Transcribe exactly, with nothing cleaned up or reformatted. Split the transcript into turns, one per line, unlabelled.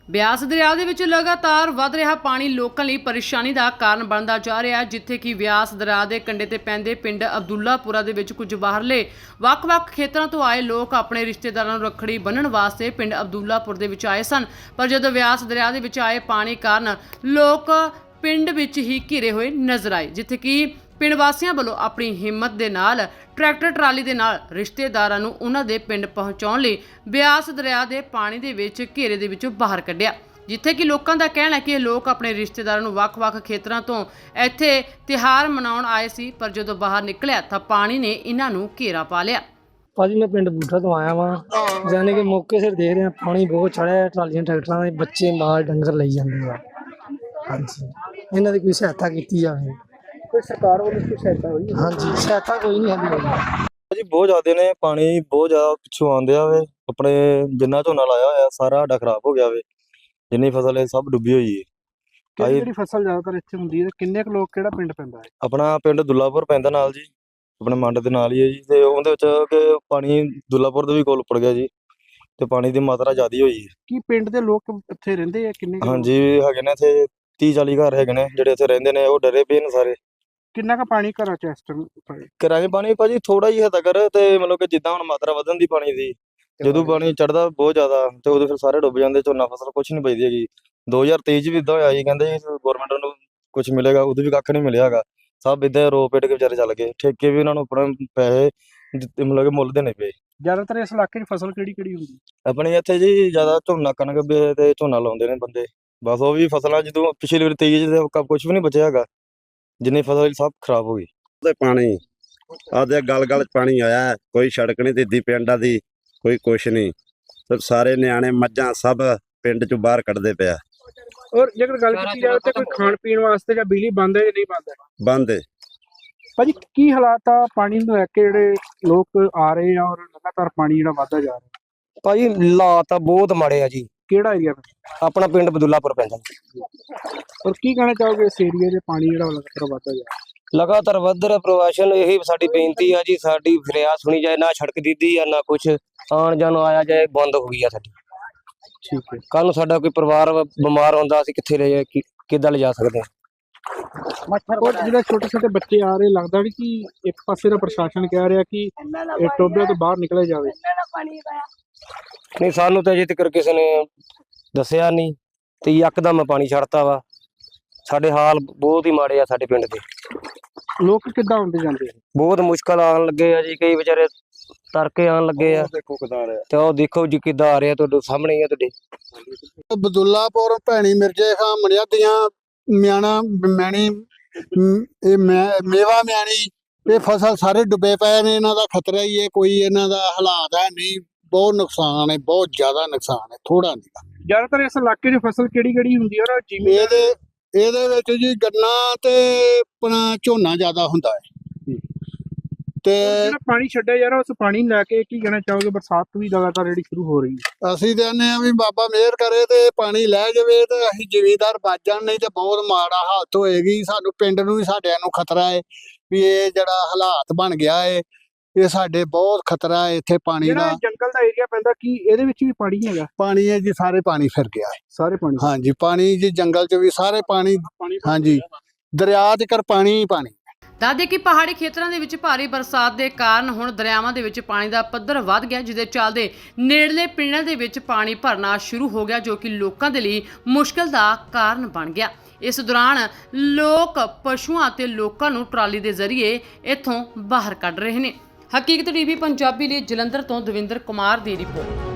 ਬਿਆਸ ਦਰਿਆ ਦੇ ਵਿੱਚ ਲਗਾਤਾਰ ਵਧ ਰਿਹਾ ਪਾਣੀ ਲੋਕਾਂ ਲਈ ਪਰੇਸ਼ਾਨੀ ਦਾ ਕਾਰਨ ਬਣਦਾ ਜਾ ਰਿਹਾ ਹੈ, ਜਿੱਥੇ ਕਿ ਬਿਆਸ ਦਰਿਆ ਦੇ ਕੰਢੇ ਤੇ ਪੈਂਦੇ ਪਿੰਡ ਅਬਦੁੱਲਾਪੁਰਾ ਦੇ ਵਿੱਚ ਕੁਝ ਬਾਹਰਲੇ ਵੱਖ-ਵੱਖ ਖੇਤਰਾਂ ਤੋਂ ਆਏ ਲੋਕ ਆਪਣੇ ਰਿਸ਼ਤੇਦਾਰਾਂ ਨੂੰ ਰੱਖੜੀ ਬੰਨ੍ਹਣ ਵਾਸਤੇ ਪਿੰਡ ਅਬਦੁੱਲਾਪੁਰ ਦੇ ਵਿੱਚ ਆਏ ਸਨ। ਪਰ ਜਦੋਂ ਬਿਆਸ ਦਰਿਆ ਦੇ ਵਿੱਚ ਆਏ ਪਾਣੀ ਕਾਰਨ ਲੋਕ ਪਿੰਡ ਵਿੱਚ ਹੀ ਘਿਰੇ ਹੋਏ ਨਜ਼ਰ ਆਏ, ਜਿੱਥੇ ਕਿ ਪਿੰਡ ਵਾਸੀਆਂ ਵੱਲੋਂ ਆਪਣੀ ਹਿੰਮਤ ਦੇ ਨਾਲ ਟਰੈਕਟਰ ਟਰਾਲੀ ਦੇ ਨਾਲ ਰਿਸ਼ਤੇਦਾਰਾਂ ਨੂੰ ਉਹਨਾਂ ਦੇ ਪਿੰਡ ਪਹੁੰਚਾਉਣ ਲਈ ਬਿਆਸ ਦਰਿਆ ਦੇ ਪਾਣੀ ਦੇ ਵਿੱਚ ਘੇਰੇ ਦੇ ਵਿੱਚੋਂ ਬਾਹਰ ਕੱਢਿਆ, ਜਿੱਥੇ ਕਿ ਲੋਕਾਂ ਦਾ ਕਹਿਣਾ ਹੈ ਕਿ ਇਹ ਲੋਕ ਆਪਣੇ ਰਿਸ਼ਤੇਦਾਰਾਂ ਨੂੰ ਵੱਖ-ਵੱਖ ਖੇਤਰਾਂ ਤੋਂ ਇੱਥੇ ਤਿਉਹਾਰ ਮਨਾਉਣ ਆਏ ਸੀ, ਪਰ ਜਦੋਂ ਬਾਹਰ ਨਿਕਲਿਆ ਤਾਂ ਪਾਣੀ ਨੇ ਇਹਨਾਂ ਨੂੰ ਘੇਰਾ ਪਾ ਲਿਆ।
ਭਾਜੀ मैं पिंड बूठा तो आया वहाँ जाने के मौके से देख रहे हैं पानी बहुत चढ़ा है, ट्रालियां ट्रैक्टर के बच्चे माल डंगर ले जाते हैं। हाँ जी, इन्हों की कोई सहायता की जाए, कोई सरकार वालों की सहायता हुई? हाँ जी, सहायता कोई नहीं है
जी, बहुत ज्यादा ने पानी बहुत ज्यादा पिछों आंदे वे अपने जिन्ना झोना लाया होया सारा साडा खराब हो गया वे, जिन्नी फसल है सब डुबी हुई है।
ਕਿਹੜੀ ਕਿਹੜੀ ਫਸਲ ਜ਼ਿਆਦਾਤਰ ਇੱਥੇ ਹੁੰਦੀ ਹੈ? ਕਿੰਨੇ ਕੁ ਲੋਕ ਕਿਹੜਾ ਪਿੰਡ ਪੈਂਦਾ ਹੈ?
ਆਪਣਾ ਪਿੰਡ ਦੁੱਲਾਪੁਰ ਪੈਂਦਾ ਨਾਲ ਜੀ, ਆਪਣੇ ਮੰਡ ਦੇ ਨਾਲ ਹੀ ਹੈ ਜੀ, ਤੇ ਉਹਦੇ ਵਿੱਚ ਕਿ ਪਾਣੀ ਦੁੱਲਾਪੁਰ ਦੇ ਵੀ ਕੋਲ ਉੱਪੜ ਗਿਆ ਜੀ, ਤੇ ਪਾਣੀ ਦੀ ਮਾਤਰਾ ਜ਼ਿਆਦੀ ਹੋਈ ਹੈ।
ਕੀ ਪਿੰਡ ਦੇ ਲੋਕ ਇੱਥੇ ਰਹਿੰਦੇ ਆ? ਕਿੰਨੇ ਕੁ ਲੋਕ?
ਹਾਂਜੀ, ਹੈਗੇ ਨੇ ਇੱਥੇ ਤੀਹ ਚਾਲੀ ਘਰ ਹੈਗੇ ਨੇ ਜਿਹੜੇ ਇੱਥੇ ਰਹਿੰਦੇ ਨੇ, ਉਹ ਡਰੇ ਪਏ ਨੇ ਸਾਰੇ।
ਕਿੰਨਾ ਕੁ ਪਾਣੀ ਘਰਾਂ ਚ ਇਸ ਟਾਈਮ?
ਕਿਰਾਏ ਪਾਣੀ ਭਾਜੀ ਥੋੜਾ ਹੀ ਹੱਦ ਕਰ, ਤੇ ਮਤਲਬ ਕਿ ਜਿੱਦਾਂ ਹੁਣ ਮਾਤਰਾ ਵਧਣ ਦੀ ਪਾਣੀ ਦੀ, ਜਦੋਂ ਪਾਣੀ ਚੜਦਾ ਬਹੁਤ ਜ਼ਿਆਦਾ ਤੇ ਉਦੋਂ ਫਿਰ ਸਾਰੇ ਡੁੱਬ ਜਾਂਦੇ, ਝੋਨਾ ਫਸਲ ਕੁਛ ਨਹੀਂ ਬਚਦੀ ਹੈਗੀ। ਦੋ ਹਜ਼ਾਰ ਤੇਈ ਚ ਵੀ ਇਦਾਂ ਹੋਇਆ ਜੀ, ਕਹਿੰਦੇ ਗਵਰਨਮੈਂਟ ਨੂੰ ਕੁਛ ਮਿਲੇਗਾ, ਉਦੋਂ ਵੀ ਕੱਖ ਨਹੀਂ ਮਿਲਿਆ ਹੈਗਾ। ਸਭ ਇਦਾਂ ਰੋ ਪੇਟ ਕੇ ਵਿਚਾਰੇ ਚੱਲ ਗਏ, ਠੇਕੇ ਵੀ ਉਹਨਾਂ ਨੂੰ ਆਪਣੇ ਪੈਸੇ ਦਿੱਤੇ, ਮਤਲਬ ਕਿ ਮੁੱਲ ਦੇਣੇ ਪਏ।
ਜ਼ਿਆਦਾਤਰ ਇਸ ਇਲਾਕੇ 'ਚ ਫਸਲ ਕਿਹੜੀ ਕਿਹੜੀ ਹੁੰਦੀ?
ਆਪਣੇ ਇੱਥੇ ਜੀ ਜ਼ਿਆਦਾ ਝੋਨਾ ਕਣਕ ਵੀ ਤੇ ਝੋਨਾ ਲਾਉਂਦੇ ਨੇ ਬੰਦੇ, ਬਸ ਉਹ ਵੀ ਫਸਲਾਂ ਜਦੋਂ ਪਿਛਲੀ ਵਾਰ ਤੇਈ ਚ ਕੁਛ ਵੀ ਨਹੀਂ ਬਚਿਆ ਹੈਗਾ, ਜਿੰਨੀ ਫਸਲ ਸਭ ਖਰਾਬ ਹੋ ਗਈ।
ਤੇ ਪਾਣੀ ਆਦੇ ਗਲ ਗਲ ਚ ਪਾਣੀ ਆਇਆ, ਕੋਈ ਸੜਕ ਨਹੀਂ ਦਿੱਦੀ ਪਿੰਡਾਂ ਦੀ, ਕੋਈ ਕੁਛ ਨਹੀਂ, ਤੇ ਸਾਰੇ ਨਿਆਣੇ ਮੱਝਾਂ ਸਭ ਪਿੰਡ ਚੋਂ ਬਾਹਰ ਕੱਢਦੇ ਪਿਆ।
ਔਰ ਜੇਕਰ ਗੱਲ ਕੀਤੀ ਜਾਵੇ ਤਾਂ ਕੋਈ ਖਾਣ ਪੀਣ ਵਾਸਤੇ ਜਾਂ ਬਿਜਲੀ ਬੰਦ ਹੈ ਜਾਂ ਨਹੀਂ ਬੰਦ ਹੈ?
ਬੰਦ ਹੈ
ਭਾਜੀ, ਕੀ ਹਾਲਾਤ ਆ ਪਾਣੀ ਨੂੰ ਲੈ ਕੇ ਜਿਹੜੇ ਲੋਕ ਆ ਰਹੇ ਆ ਔਰ ਲਗਾਤਾਰ ਪਾਣੀ ਜਿਹੜਾ ਵਧਦਾ ਜਾ ਰਿਹਾ?
ਭਾਜੀ ਹਾਲਾਤ ਤਾਂ ਬਹੁਤ ਮਾੜੇ ਆ ਜੀ।
ਕਿਹੜਾ ਏਰੀਆ?
ਆਪਣਾ ਪਿੰਡ ਬਦੁੱਲਾਪੁਰ ਪੈਂਦਾ।
ਔਰ ਕੀ ਕਹਿਣਾ ਚਾਹੋਗੇ ਇਸ ਏਰੀਆ ਦੇ ਪਾਣੀ ਜਿਹੜਾ ਲਗਾਤਾਰ ਵਧਦਾ ਜਾ ਰਿਹਾ?
ਲਗਾਤਾਰ ਵੱਧ ਰਿਹਾ ਪ੍ਰਵਾਸ਼ਨ, ਇਹੀ ਸਾਡੀ ਬੇਨਤੀ ਆ ਜੀ, ਸਾਡੀ ਫਰਿਆਦ ਸੁਣੀ ਜਾਏ। ਨਾ ਸੜਕ ਦਿੱਦੀ ਆ ਨਾ ਕੁਛ, ਆਉਣ ਜਾਣ ਆਇਆ ਜਾਏ ਬੰਦ ਹੋ ਗਈ ਆ ਸਾਡੀ।
ਠੀਕ ਹੈ,
ਕੱਲ ਨੂੰ ਸਾਡਾ ਕੋਈ ਪਰਿਵਾਰ ਬਿਮਾਰ ਹੁੰਦਾ, ਅਸੀਂ ਕਿੱਥੇ ਲੈ ਜਾ ਕਿੱਦਾਂ ਲਿਜਾ ਸਕਦੇ ਹਾਂ?
ਔਰ ਜਿਹੜੇ ਛੋਟੇ ਛੋਟੇ ਬੱਚੇ ਆ ਰਹੇ, ਲੱਗਦਾ ਵੀ ਕਿ ਇੱਕ ਪਾਸੇ ਦਾ ਪ੍ਰਸ਼ਾਸਨ ਕਹਿ ਰਿਹਾ ਕਿ ਇਹ ਟੋਬੇ ਤੋਂ ਬਾਹਰ ਨਿਕਲਿਆ ਜਾਵੇ।
ਨਹੀਂ, ਸਾਨੂੰ ਤਾਂ ਅਜੇ ਤੱਕ ਕਿਸੇ ਨੇ ਦੱਸਿਆ ਨਹੀਂ, ਤੇ ਯਕਦਮ ਪਾਣੀ ਛੱਡਤਾ ਵਾ। ਸਾਡੇ ਹਾਲ ਬਹੁਤ ਹੀ ਮਾੜੇ ਆ ਸਾਡੇ ਪਿੰਡ ਦੇ।
ਲੋਕ ਕਿੱਦਾਂ ਆਉਂਦੇ ਜਾਂਦੇ?
ਬਹੁਤ ਮੁਸ਼ਕਲ ਆਉਣ ਲੱਗੇ ਆ ਜੀ, ਕਈ ਵਿਚਾਰੇ ਤਰਕੇ ਆਉਣ ਲੱਗੇ ਆ।
ਦੇਖੋ ਕਿਦਾਂ ਆ ਰਿਹਾ,
ਤੇ ਉਹ ਦੇਖੋ ਜੀ ਕਿੱਦਾਂ ਆ ਰਿਹਾ, ਤੁਹਾਡੇ ਸਾਹਮਣੇ ਹੀ ਆ ਤੁਹਾਡੇ।
ਬਦੁੱਲਾਪੁਰ ਭੈਣੀ ਮਿਰਜੇ ਖਾਂ ਮਣਿਆਦੀਆਂ ਮਿਆਣਾ ਮੈਣੀ ਇਹ ਮੇਵਾ ਮਿਆਣੀ, ਇਹ ਫਸਲ ਸਾਰੇ ਡੁੱਬੇ ਪਏ ਨੇ। ਇਹਨਾਂ ਦਾ ਖਤਰਾ ਹੀ ਹੈ, ਕੋਈ ਇਹਨਾਂ ਦਾ ਹਾਲਾਤ ਹੈ ਨਹੀਂ। ਬਹੁਤ ਨੁਕਸਾਨ ਹੈ, ਬਹੁਤ ਜ਼ਿਆਦਾ ਨੁਕਸਾਨ ਹੈ, ਥੋੜਾ ਨਹੀਂ।
ਜ਼ਿਆਦਾਤਰ ਇਸ ਇਲਾਕੇ 'ਚ ਫਸਲ ਕਿਹੜੀ ਕਿਹੜੀ ਹੁੰਦੀ ਹੈ? ਜਿਵੇਂ
ਇਹਦੇ ਇਹਦੇ ਵਿੱਚ ਜੀ ਗੰਨਾ ਤੇ ਆਪਣਾ ਝੋਨਾ ਜ਼ਿਆਦਾ ਹੁੰਦਾ ਹੈ। ਤੇ
ਜਿਹੜਾ ਪਾਣੀ ਛੱਡਿਆ ਜਾ ਰਿਹਾ, ਉਸ ਪਾਣੀ ਨੂੰ ਲੈ ਕੇ ਕੀ ਕਹਿਣਾ ਚਾਹੋਗੇ? ਬਰਸਾਤ ਵੀ ਲਗਾਤਾਰ ਜਿਹੜੀ ਸ਼ੁਰੂ ਹੋ ਰਹੀ ਹੈ,
ਅਸੀਂ ਕਹਿੰਦੇ ਆ ਵੀ ਬਾਬਾ ਮਿਹਰ ਕਰੇ ਤੇ ਪਾਣੀ ਲੈ ਜਾਵੇ ਤੇ ਅਸੀਂ ਜ਼ਿਮੀਂਦਾਰ ਬਚ ਜਾਣ, ਨਹੀਂ ਤੇ ਬਹੁਤ ਮਾੜਾ ਹਾਲਤ ਹੋਏਗੀ। ਸਾਨੂੰ ਪਿੰਡ ਨੂੰ ਵੀ ਸਾਡਿਆਂ ਨੂੰ ਖਤਰਾ ਹੈ ਵੀ ਇਹ ਜਿਹੜਾ ਹਾਲਾਤ ਬਣ ਗਿਆ ਹੈ, ਇਹ ਸਾਡੇ ਬਹੁਤ ਖਤਰਾ ਹੈ ਇੱਥੇ ਪਾਣੀ ਦਾ।
ਜੰਗਲ ਦਾ ਏਰੀਆ ਪੈਂਦਾ, ਕੀ ਇਹਦੇ ਵਿੱਚ ਵੀ ਪਾਣੀ ਹੈਗਾ?
ਪਾਣੀ ਹੈ ਜੀ, ਸਾਰੇ ਪਾਣੀ ਫਿਰ ਗਿਆ ਹੈ,
ਸਾਰੇ ਪਾਣੀ।
ਹਾਂਜੀ, ਪਾਣੀ ਜੀ ਜੰਗਲ 'ਚ ਵੀ ਸਾਰੇ ਪਾਣੀ, ਹਾਂਜੀ, ਦਰਿਆ ਤੱਕ ਪਾਣੀ ਹੀ ਪਾਣੀ।
ਦੱਸਦੇ ਕਿ ਪਹਾੜੀ ਖੇਤਰਾਂ ਦੇ ਵਿੱਚ ਭਾਰੀ ਬਰਸਾਤ ਦੇ ਕਾਰਨ ਹੁਣ ਦਰਿਆਵਾਂ ਦੇ ਵਿੱਚ ਪਾਣੀ ਦਾ ਪੱਧਰ ਵੱਧ ਗਿਆ, ਜਿਹਦੇ ਚੱਲਦੇ ਨੇੜਲੇ ਪਿੰਡਾਂ ਦੇ ਵਿੱਚ ਪਾਣੀ ਭਰਨਾ ਸ਼ੁਰੂ ਹੋ ਗਿਆ, ਜੋ ਕਿ ਲੋਕਾਂ ਦੇ ਲਈ ਮੁਸ਼ਕਲ ਦਾ ਕਾਰਨ ਬਣ ਗਿਆ। ਇਸ ਦੌਰਾਨ ਲੋਕ ਪਸ਼ੂਆਂ ਅਤੇ ਲੋਕਾਂ ਨੂੰ ਟਰਾਲੀ ਦੇ ਜ਼ਰੀਏ ਇੱਥੋਂ ਬਾਹਰ ਕੱਢ ਰਹੇ ਨੇ। ਹਕੀਕਤ ਟੀਵੀ ਪੰਜਾਬੀ ਲਈ ਜਲੰਧਰ ਤੋਂ ਦਵਿੰਦਰ ਕੁਮਾਰ ਦੀ ਰਿਪੋਰਟ।